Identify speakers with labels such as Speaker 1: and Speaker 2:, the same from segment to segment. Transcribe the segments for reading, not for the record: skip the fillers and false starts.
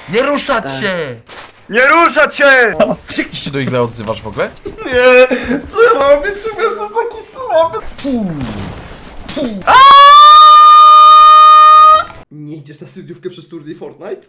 Speaker 1: Nie ruszać się!
Speaker 2: Nie ruszać się!
Speaker 1: Jak ty się do igry odzywasz w ogóle? Nie! Co ja robię? Czemu jestem taki słaby?
Speaker 3: Nie idziesz na studiówkę przez turniej Fortnite?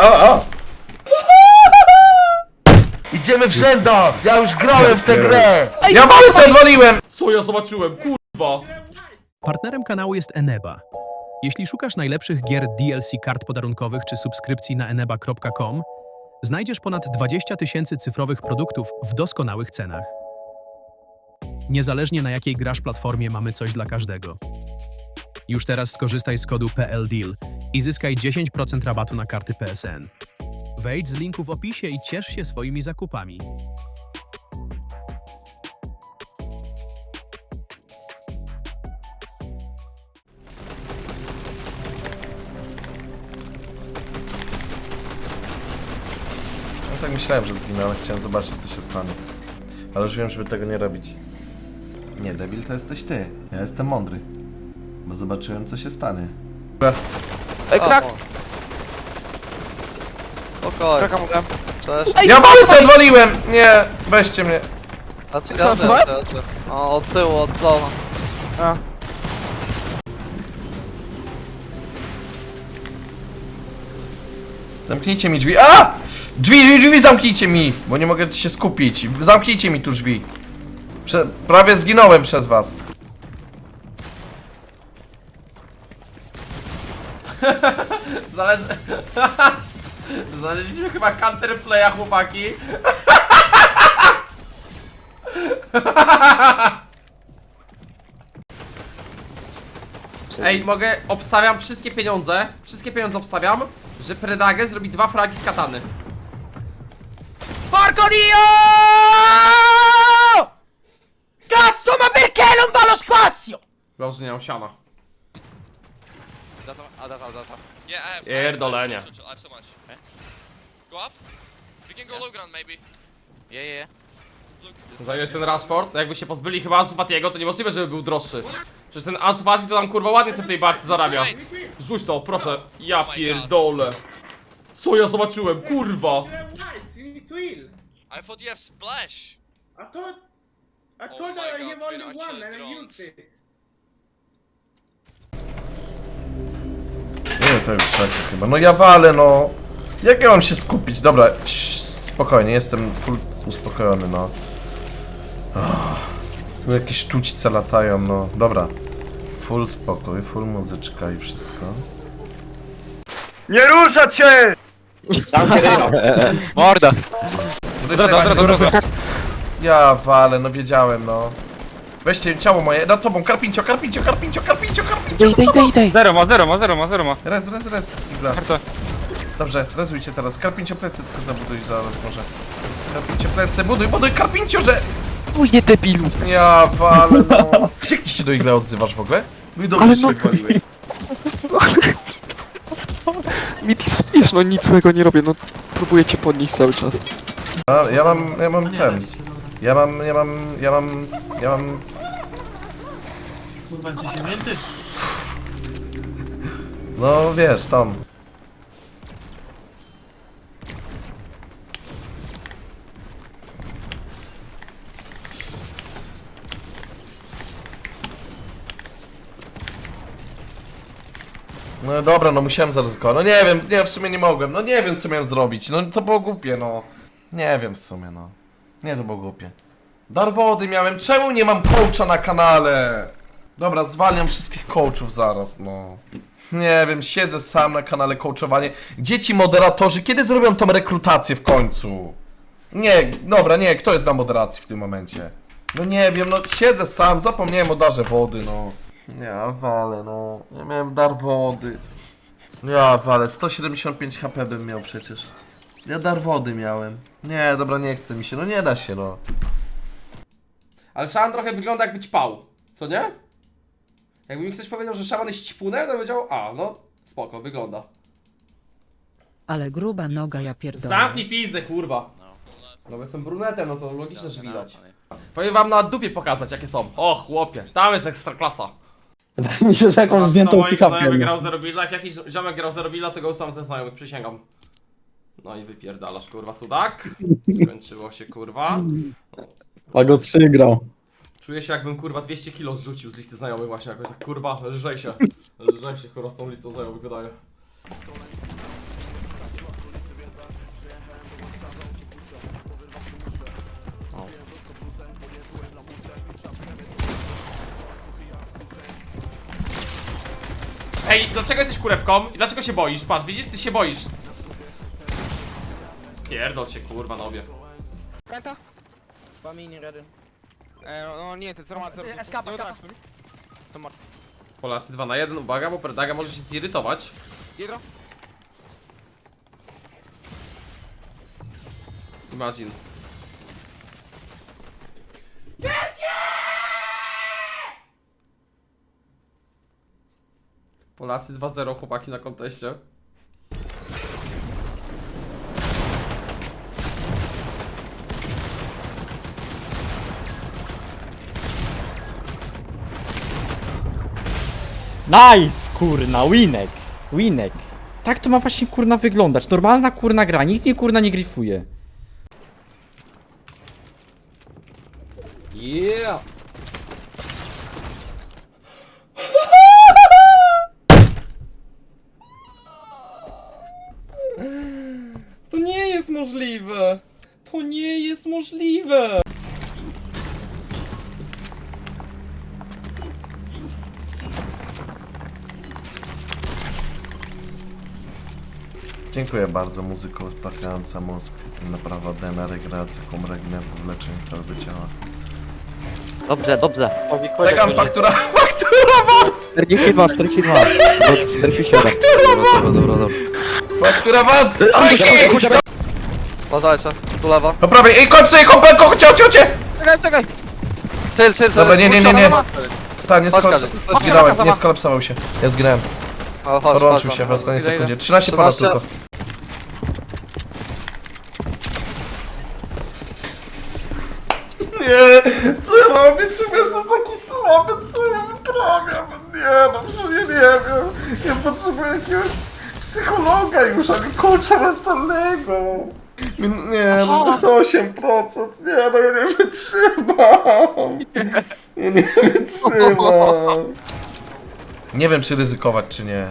Speaker 1: Idziemy w rzęda! Ja już grałem w tę grę!
Speaker 4: Ja mamy co odwaliłem!
Speaker 5: Co ja zobaczyłem, kurwa!
Speaker 6: Partnerem kanału jest Eneba. Jeśli szukasz najlepszych gier DLC kart podarunkowych czy subskrypcji na eneba.com, znajdziesz ponad 20 000 cyfrowych produktów w doskonałych cenach. Niezależnie na jakiej grasz platformie, mamy coś dla każdego. Już teraz skorzystaj z kodu PLDEAL i zyskaj 10% rabatu na karty PSN. Wejdź z linku w opisie i ciesz się swoimi zakupami.
Speaker 1: No tak myślałem, że zginę, ale chciałem zobaczyć, co się stanie. Ale już wiem, żeby tego nie robić. Nie, debil to jesteś ty. Ja jestem mądry. Bo zobaczyłem, co się stanie.
Speaker 4: Ej, krak!
Speaker 7: Spokojnie,
Speaker 4: Kraka mu dam.
Speaker 7: cześć.
Speaker 4: Ej,
Speaker 1: Ja mamy co odwaliłem! Nie! Weźcie mnie.
Speaker 7: Znaczy ja żyję, ja żyję. O, od tyłu, od zona.
Speaker 4: A.
Speaker 1: Zamknijcie mi drzwi. A! Drzwi zamknijcie mi! Bo nie mogę się skupić. Zamknijcie mi tu drzwi. Prawie zginąłem przez was.
Speaker 5: Znaleźliśmy chyba counterplaya, chłopaki. Ej, mogę, obstawiam wszystkie pieniądze obstawiam, że Predage zrobi 2 fragi z katany.
Speaker 4: Porco-dio! Cazzo, ma perché non va allo spazio?
Speaker 5: Dobrze, że nie mam siana.
Speaker 8: Yeah, I have.
Speaker 5: Pierdolenie.
Speaker 8: I have so much. Go up. We can go low ground maybe.
Speaker 7: Yeah, yeah.
Speaker 8: Look.
Speaker 5: Za ile ten Rashford? Jakby się pozbyli chyba Ansu Fatiego, to niemożliwe, żeby był droższy. Przecież ten Ansu Fati to tam kurwa ładnie sobie w tej barce zarabia. Rzuć to, proszę. Ja pierdolę. Co ja zobaczyłem, kurwa.
Speaker 8: I thought you have splash.
Speaker 2: I told
Speaker 8: Oh
Speaker 2: that
Speaker 8: my
Speaker 2: I have
Speaker 8: God,
Speaker 2: only
Speaker 8: Pinocho
Speaker 2: one and I
Speaker 8: drones.
Speaker 2: used it.
Speaker 1: Nie, to już trzecie chyba. No ja walę, no. Jak ja mam się skupić? Dobra, spokojnie, jestem full uspokojony, no. Tu jakieś sztućce latają, no. Dobra. Full spokój, full muzyczka i wszystko.
Speaker 2: Nie ruszać się!
Speaker 4: Morda!
Speaker 1: Ja walę, no wiedziałem, no. Weźcie ciało moje, nad tobą, karpincio.
Speaker 4: Dej.
Speaker 2: Zero ma.
Speaker 1: Res, igla.
Speaker 2: Harto.
Speaker 1: Dobrze, rezujcie teraz. Karpincio plecy tylko zabuduj zaraz może. Karpincio plecy, buduj, karpincio, że...
Speaker 4: Uje debilu!
Speaker 1: Ja walę, no. Jak ty się do igry odzywasz w ogóle? No i dobrze się wywaliłeś.
Speaker 4: Mi ty spiesz, no nic złego nie robię, no próbuję cię podnieść cały czas.
Speaker 1: A, ja mam ten. Ja mam...
Speaker 9: Kurwa, jesteś święty?
Speaker 1: No wiesz, tam. No dobra, no musiałem zaryzykować. No nie wiem, w sumie nie mogłem. No nie wiem, co miałem zrobić. No to było głupie, no. Nie wiem w sumie, no. Nie, to było głupie. Dar wody miałem. Czemu nie mam coacha na kanale? Dobra, zwalniam wszystkich coachów zaraz, no. Nie wiem, siedzę sam na kanale coachowanie. Gdzie ci moderatorzy? Kiedy zrobią tą rekrutację w końcu? Nie, dobra, nie, kto jest na moderacji w tym momencie? No nie wiem, no siedzę sam, zapomniałem o darze wody, no. Ja walę, no. Ja miałem dar wody. Ja walę, 175 HP bym miał przecież. Ja dar wody miałem. Nie, dobra, nie chce mi się, no nie da się, no.
Speaker 5: Ale szaman trochę wygląda jakby ćpał, co nie? Jakby mi ktoś powiedział, że szaman jest ćpunem, to powiedział, a no spoko, wygląda.
Speaker 10: Ale gruba noga, ja pierdolę.
Speaker 5: Zamknij pizdę, kurwa. No bo jestem brunetem, no to logiczne, że widać. Powiem wam na dupie pokazać, jakie są. O chłopie, tam jest ekstra klasa.
Speaker 3: Wydaje mi się, że jakąś zdjętą
Speaker 5: Moich znajomych
Speaker 3: pick-upem.
Speaker 5: grał Zero Builda, jak jakiś ziomek grał Zero Builda, to go usam ze znajomych, przysięgam. No i wypierdalasz, kurwa, sudak. Skończyło się, kurwa.
Speaker 3: A go przegrał.
Speaker 5: Czuję się, jakbym, kurwa, 200 kilo zrzucił z listy znajomych właśnie jakoś tak, kurwa, lżej się, kurwa, z tą listą znajomych wydaje. Ej, dlaczego jesteś kurewką? I dlaczego się boisz? Patrz, widzisz, ty się boisz. Pierdol się, kurwa, nobie.
Speaker 2: Pęta? No nie, to co ma
Speaker 5: Polacy 2 na 1, uwaga, bo Predaga może się zirytować.
Speaker 2: Jedro?
Speaker 5: Imagine. Polacy 2-0, chłopaki na konteście.
Speaker 11: Nice, kurna, winek. Winek. Tak to ma właśnie kurna wyglądać. Normalna kurna gra, nikt mnie kurna nie gryfuje.
Speaker 5: Yeah! To nie jest możliwe! To nie jest możliwe!
Speaker 1: Dziękuję bardzo, muzyko uspokajająca mózg. Naprawa DNA, regeneracja, regeneracja, leczenie całego ciała.
Speaker 11: Dobrze, dobrze.
Speaker 1: Czekam, faktura, faktura VAT!
Speaker 4: 42, 42. 47.
Speaker 1: Faktura VAT!
Speaker 7: Uważajcie, tu lewa.
Speaker 1: Po prawej, ej, kończę, ej, kompleko, chodźcie!
Speaker 7: Czekaj! Chill,
Speaker 1: Dobra, nie. Tak, nie
Speaker 7: Chodź, Kazik.
Speaker 1: zginąłem, nie skolapsował się. Ja zginąłem. Podłączył się w ostatniej
Speaker 7: Idę,
Speaker 1: sekundzie.
Speaker 7: idę.
Speaker 1: 13 ponad
Speaker 7: 13.
Speaker 1: tylko. Nie, co ja robię? Czemu jestem taki słaby? Co ja wyprawiam? Nie, no przecież ja nie wiem. Ja potrzebuję jakiegoś psychologa już, a nie coacha mentalnego. Nie, no 8%. Nie, no ja nie wytrzymam. Ja nie wytrzymam. Nie wiem, czy ryzykować, czy nie.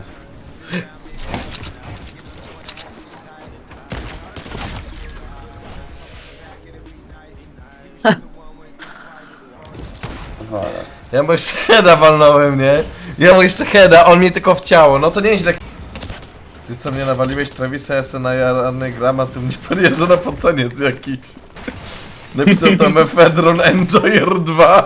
Speaker 1: Ja mu jeszcze heada walnąłem, nie? Ja mu jeszcze heada, on mnie tylko w ciało, no to nieźle. Ty co mnie nawaliłeś, Travisa, ja se najarany gram, a ty mnie podjeżdża na poceniec jakiś. Napisał to Mefedron Enjoyer 2.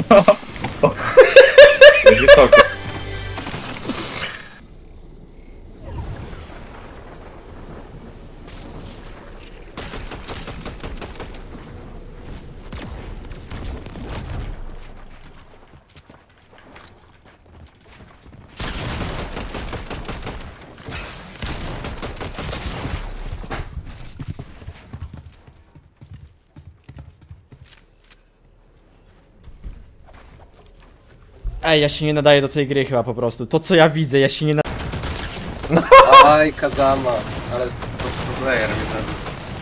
Speaker 11: Ej, ja się nie nadaję do tej gry chyba po prostu. To co ja widzę, ja się nie nadaję.
Speaker 3: Aj, Kazama. Ale to player mnie zabił.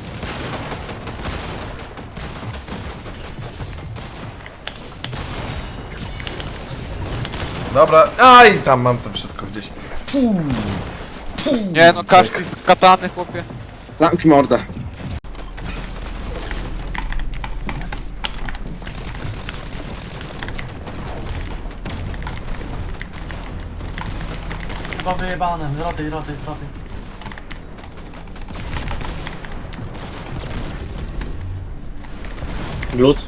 Speaker 1: Dobra, aj, tam mam to wszystko gdzieś.
Speaker 4: Nie no, każdy z katany, chłopie.
Speaker 3: Zamknij mordę.
Speaker 9: Chyba wyjebane, rotaj.
Speaker 3: Glut.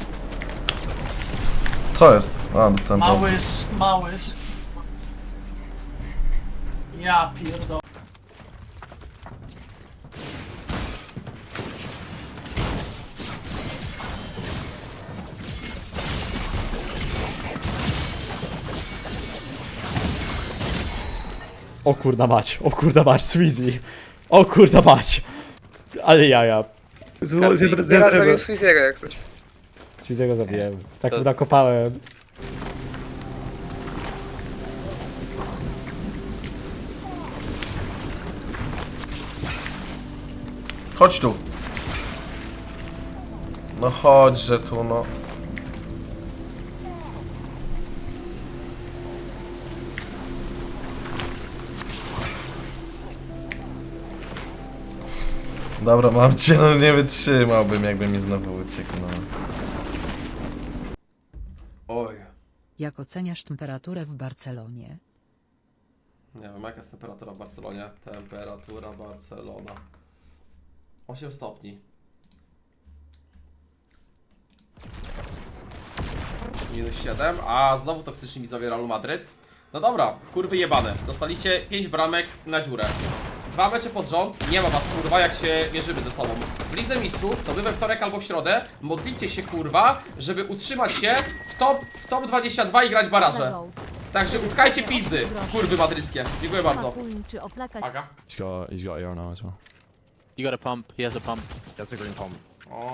Speaker 1: Co jest? A, dostałem to.
Speaker 9: Małysz. Ja pierdolę.
Speaker 11: O kurda mać, Sweezy. O kurda mać. Ale jaja.
Speaker 2: Teraz zabił Squeeziego jak coś.
Speaker 11: Sweezy'ego zabiłem. Tak mu nakopałem.
Speaker 1: Chodź tu. No chodźże tu, no. Dobra, mam cię, no nie wytrzymałbym, jakby mi znowu uciekł, no.
Speaker 5: Oj.
Speaker 10: Jak oceniasz temperaturę w Barcelonie?
Speaker 5: Nie wiem, jaka jest temperatura w Barcelonie? Temperatura Barcelona. 8 stopni. -7, a znowu toksyczni widzowie Realu Madryt. No dobra, kurwy jebane. Dostaliście 5 bramek na dziurę. 2 mecze pod rząd, nie ma was kurwa jak się mierzymy ze sobą. W Lidze Mistrzów, to wy we wtorek albo w środę, modlicie się kurwa, żeby utrzymać się w top 22 i grać baraże. Także utkajcie pizdy, kurwy madryckie. Dziękuję bardzo. Aga.
Speaker 8: He's got AR now as well.
Speaker 9: You got a pump, he has a pump.
Speaker 8: That's a green pump.
Speaker 5: O.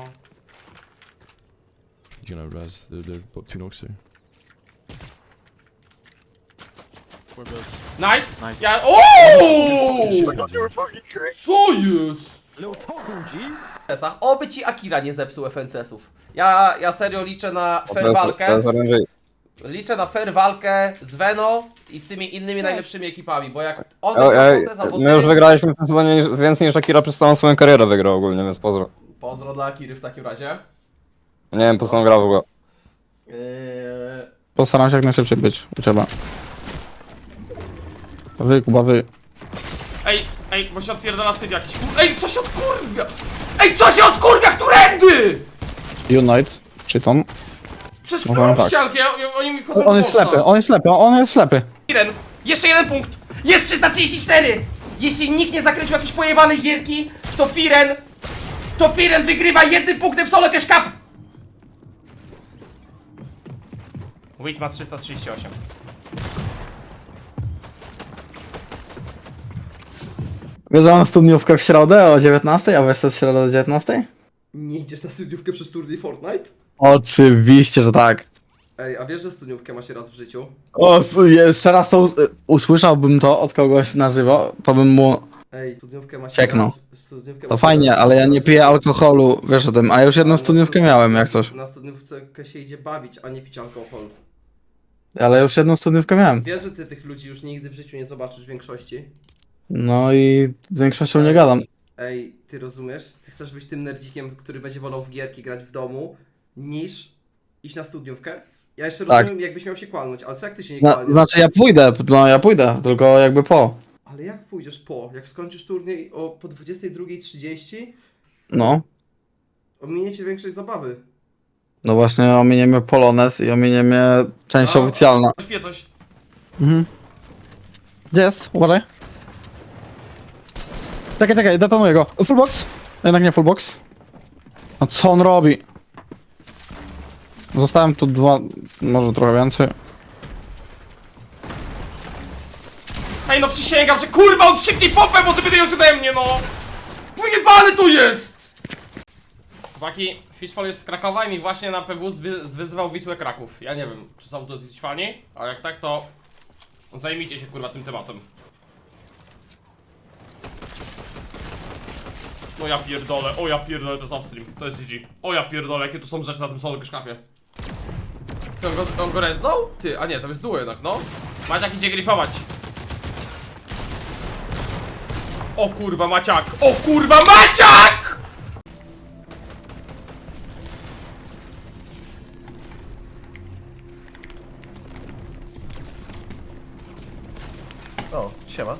Speaker 8: He's gonna res. They're both 2 knocks here.
Speaker 5: Nice!
Speaker 9: Nice.
Speaker 5: Ja... Ooo! Co jest? Oby ci Akira nie zepsuł FNCS-ów. Ja serio liczę na fair walkę. Liczę na fair walkę z Veno i z tymi innymi najlepszymi ekipami, bo jak on będzie albo
Speaker 3: My już wygraliśmy w tym sezonie więcej niż Akira przez całą swoją karierę wygrał ogólnie, więc pozdro.
Speaker 5: Pozdro dla Akiry w takim razie.
Speaker 3: Nie wiem po co on grał w ogóle.
Speaker 4: Postaram się jak najszybciej być u ciebie. Wy, Kuba, wy.
Speaker 5: Ej, bo się odpierdala styw jakiś Ej, co się odkurwia? Ej, co się odkurwia? Którędy?
Speaker 4: Unite, Cheaton.
Speaker 5: Przez
Speaker 4: No,
Speaker 5: którą
Speaker 4: tak.
Speaker 5: ściankę? Oni mi wchodzą
Speaker 4: On
Speaker 5: do
Speaker 4: jest
Speaker 5: boksa.
Speaker 4: ślepy, on jest ślepy, on jest ślepy.
Speaker 5: Firen, jeszcze jeden punkt! Jest 334! Jeśli nikt nie zakręcił jakiejś pojebanej gierki, to Firen wygrywa jednym punktem solo cash cup! Wit ma 338.
Speaker 4: Bierzemy studniówkę w środę o 19, a wiesz co jest w środę o 19?
Speaker 5: Nie idziesz na studniówkę przez turniej Fortnite?
Speaker 4: Oczywiście, że tak.
Speaker 5: Ej, a wiesz, że studniówkę ma się raz w życiu?
Speaker 4: O, jeszcze raz to usłyszałbym to od kogoś na żywo, to bym mu...
Speaker 5: Ej, studniówkę ma się
Speaker 4: Cieknął.
Speaker 5: studniówkę
Speaker 4: To fajnie, ale ja nie piję alkoholu, wiesz o tym, a już jedną studniówkę miałem, jak coś.
Speaker 5: Na studniówkę się idzie bawić, a nie pić alkohol.
Speaker 4: Ale już jedną studniówkę miałem.
Speaker 5: Wiesz, że ty tych ludzi już nigdy w życiu nie zobaczysz w większości?
Speaker 4: No i z większością nie gadam.
Speaker 5: Ej, ty rozumiesz? Ty chcesz być tym nerdzikiem, który będzie wolał w gierki grać w domu, niż iść na studniówkę? Ja jeszcze
Speaker 4: Tak.
Speaker 5: rozumiem, jakbyś miał się kłamać, ale co jak ty się nie kłamiesz?
Speaker 4: Znaczy ja pójdę, tylko jakby po.
Speaker 5: Ale jak pójdziesz po? Jak skończysz turniej po 22:30,
Speaker 4: No.
Speaker 5: ominiecie większość zabawy.
Speaker 4: No właśnie ominiemy Polones i ominiemy część
Speaker 5: A.
Speaker 4: oficjalna.
Speaker 5: Śpię coś.
Speaker 4: Mhm. Gdzie jest? Uważaj. Czekaj, detonuję go. Fullbox? Jednak nie fullbox. No co on robi? Zostałem tu 2, może trochę więcej.
Speaker 5: Ej, no przysięgam, że kurwa on szybciej popę może wyjąć ode mnie, no! Wyjebane to jest! Chłopaki, Fishfall jest z Krakowa i mi właśnie na PW zwyzywał Wisłę Kraków. Ja nie wiem, czy są to ci fani, a jak tak, to zajmijcie się kurwa tym tematem. No ja pierdolę, o ja pierdolę, to jest offstream, to jest GG. O ja pierdolę, jakie tu są rzeczy na tym solo kaszkapie. Co, on go reznął? Ty, a nie, to jest duo jednak, no. Maciak idzie gryfować. O kurwa Maciak! O kurwa Maciak!
Speaker 1: O, siema.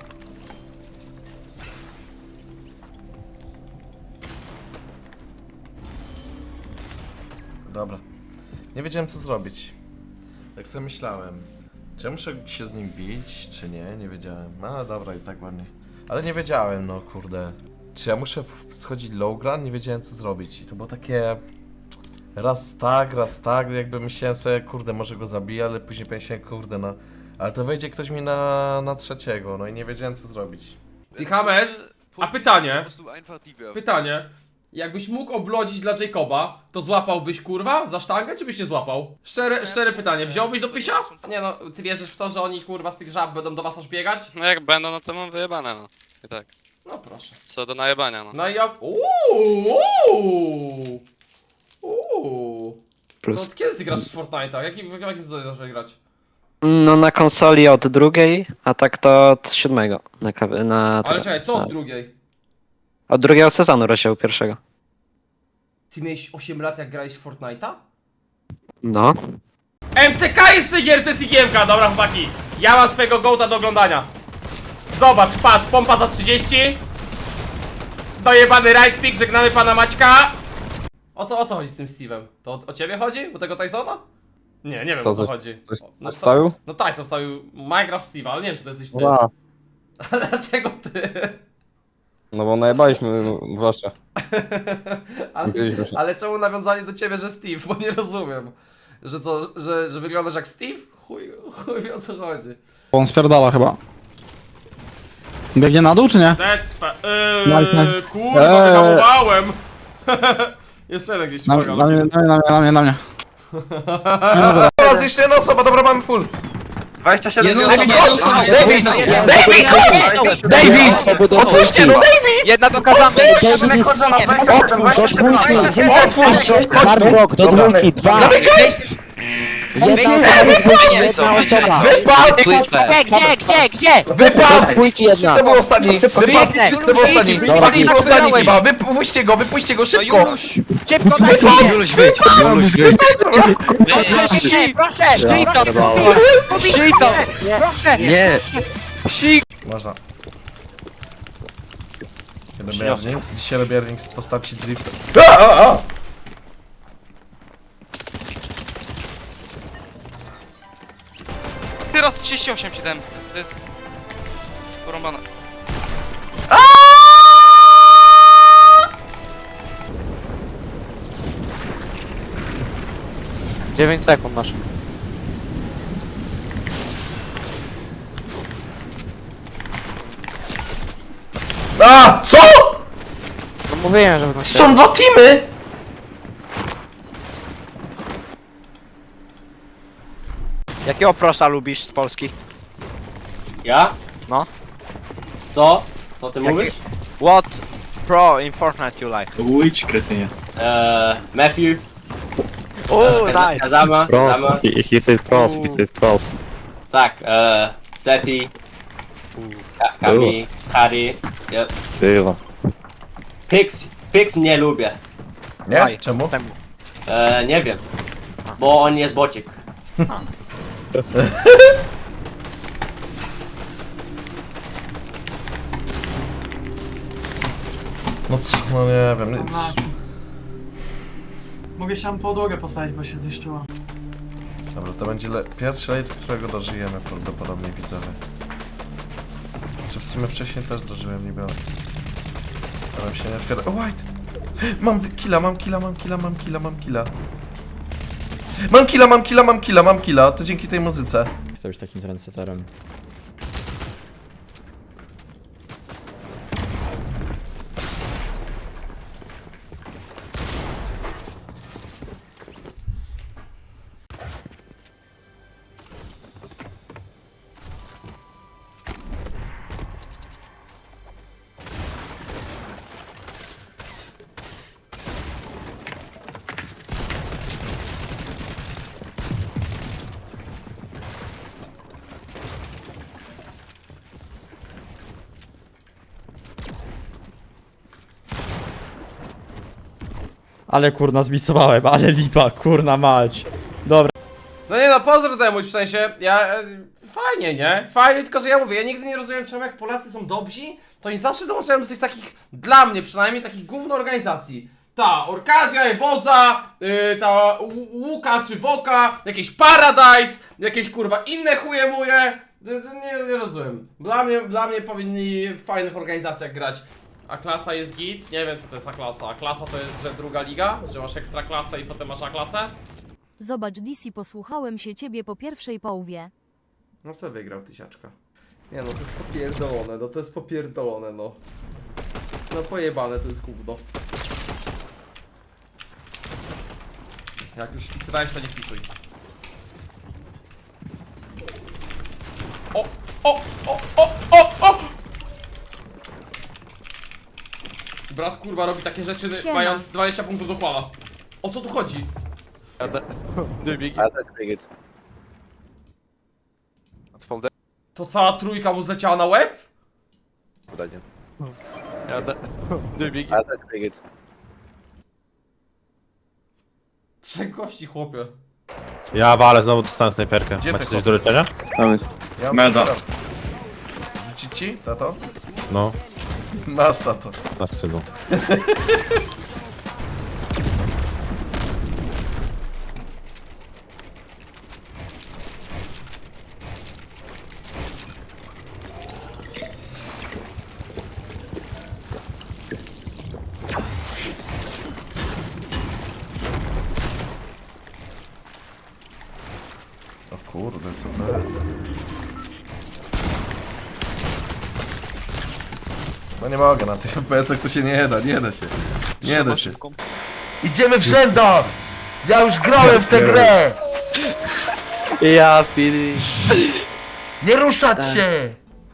Speaker 1: Dobra. Nie wiedziałem co zrobić. Tak sobie myślałem. Czy ja muszę się z nim bić, czy nie? Nie wiedziałem. No dobra, i tak ładnie. Ale nie wiedziałem, no kurde. Czy ja muszę schodzić low ground? Nie wiedziałem co zrobić. I to było takie... raz tak, jakby myślałem sobie, kurde, może go zabiję, ale później pomyślałem, kurde, no... Ale to wejdzie ktoś mi na trzeciego, no i nie wiedziałem co zrobić.
Speaker 5: Ty James, a pytanie. Jakbyś mógł oblodzić dla Jacoba, to złapałbyś kurwa za sztangę, czy byś nie złapał? Szczere pytanie, wziąłbyś do pysia? Nie no, ty wierzysz w to, że oni kurwa z tych żab będą do was aż biegać?
Speaker 8: No jak będą, no to mam wyjebane, no. I tak.
Speaker 5: No proszę.
Speaker 8: Co do najebania, no.
Speaker 5: No i ja... To od kiedy ty grasz w Fortnite'a? W jakim sezonie zacząłeś grać?
Speaker 9: No na konsoli od drugiej, a tak to od 7 na
Speaker 5: Ale czekaj, co od drugiej?
Speaker 9: od drugiego sezonu rozdziału pierwszego.
Speaker 5: Ty miałeś 8 lat jak grałeś w Fortnite'a?
Speaker 9: No.
Speaker 5: MCK jest w tej gierce z igiemka, dobra chłopaki. Ja mam swojego gołta do oglądania. Zobacz, patrz, pompa za 30. Dojebany right pick, żegnamy pana Maćka. O co chodzi z tym Steve'em? To o ciebie chodzi? O tego Tysona? Nie wiem o co chodzi. No,
Speaker 2: wstawił?
Speaker 5: No Tyson wstawił Minecraft Steve'a, ale nie wiem czy to jesteś ty. Ale dlaczego ty?
Speaker 2: No bo najebaliśmy zwłaszcza.
Speaker 5: Ale czemu nawiązali do ciebie, że Steve? Bo nie rozumiem. Że co, że wyglądasz jak Steve? Chuj wie o co chodzi.
Speaker 2: On spierdala chyba. Biegnie na dół czy nie?
Speaker 5: Kurwa, wyhamowałem! Jeszcze jeden gdzieś uwaga.
Speaker 2: Na mnie.
Speaker 1: Teraz jeszcze jedna osoba, dobra, mamy full.
Speaker 3: 27
Speaker 1: David! Otwórzcie, no David!
Speaker 2: Jedna dokazamy!
Speaker 1: Otwórz!
Speaker 9: Hardrock, do dwójki, 2.
Speaker 1: Wypadł!
Speaker 9: Dwójki jedna.
Speaker 1: To był ostatni! To był ostatni chyba! Wypuśćcie go szybko!
Speaker 7: Juluś, wyjdź! Juluś, wyjdź! Nie!
Speaker 1: Można. Dzisiaj robię earnings w postaci drifta.
Speaker 8: Teraz 38,7. To jest... porąbane.
Speaker 9: 9 sekund masz.
Speaker 1: A! Co?!
Speaker 9: No mówiłem, że
Speaker 1: Są dwa teamy!
Speaker 7: Jakiego prosa lubisz z Polski?
Speaker 3: Ja?
Speaker 7: No.
Speaker 3: Co? Co ty mówisz?
Speaker 7: What pro in Fortnite you like?
Speaker 9: Which kretynie?
Speaker 3: Matthew.
Speaker 7: Nice!
Speaker 3: Kazama.
Speaker 9: He says pros, pros.
Speaker 3: Tak, Seti. Kami, Harry. Yep.
Speaker 9: Było.
Speaker 3: Pix nie lubię.
Speaker 1: Nie? Czemu?
Speaker 3: Nie wiem. Bo on jest bocik.
Speaker 1: No co? No nie wiem.
Speaker 2: Mogę się tam podłogę postawić, bo się zniszczyła.
Speaker 1: Dobra, to będzie pierwszy raid, którego dożyjemy prawdopodobnie, widzowie. Czy w sumie wcześniej też dożyłem, niby. Ale się nie otwiera. O, white! Mam killa. Mam killa, to dzięki tej muzyce.
Speaker 11: Chcę być takim trendsetterem. Ale kurna zmisowałem, ale lipa, kurna mać. Dobra.
Speaker 5: No nie no, pozdro temu, w sensie, fajnie, nie? Fajnie, tylko że ja mówię, ja nigdy nie rozumiem czemu jak Polacy są dobrzy, to oni zawsze dołączają do tych takich, dla mnie przynajmniej, takich gówno organizacji. Ta Orkadia, Ewoza, ta Łuka czy Woka, jakieś Paradise, jakieś kurwa inne chuje muje. Nie rozumiem. Dla mnie powinni w fajnych organizacjach grać. A klasa jest git? Nie wiem co to jest A-klasa. A-klasa to jest, że druga liga? Że masz ekstra klasę i potem masz A-klasę?
Speaker 10: Zobacz DC, posłuchałem się ciebie po pierwszej połowie.
Speaker 5: No co wygrał tysiaczka? Nie no, to jest popierdolone, no to jest popierdolone, no. No pojebane, to jest gówno. Jak już wpisywałeś, to nie wpisuj. O! brat kurwa robi takie rzeczy
Speaker 10: Siema.
Speaker 5: mając 20 punktów do kłama. O co tu chodzi? To cała trójka mu zleciała na łeb? Trzech gości, chłopie.
Speaker 12: Ja walę, znowu dostałem snajperkę.
Speaker 1: Gdzie
Speaker 12: Macie
Speaker 1: ty
Speaker 12: coś do leczenia?
Speaker 1: Ja
Speaker 12: Meda.
Speaker 1: Rzucić ci, tato?
Speaker 12: No,
Speaker 1: Masz, tato.
Speaker 12: na stylu.
Speaker 1: O kurde, co to jest? No nie mogę, na tych FPS-ach to się nie da, nie da się. Nie da się. Idziemy w rzędach! Ja już grałem w tę grę!
Speaker 9: Ja pili.
Speaker 1: Nie ruszać się!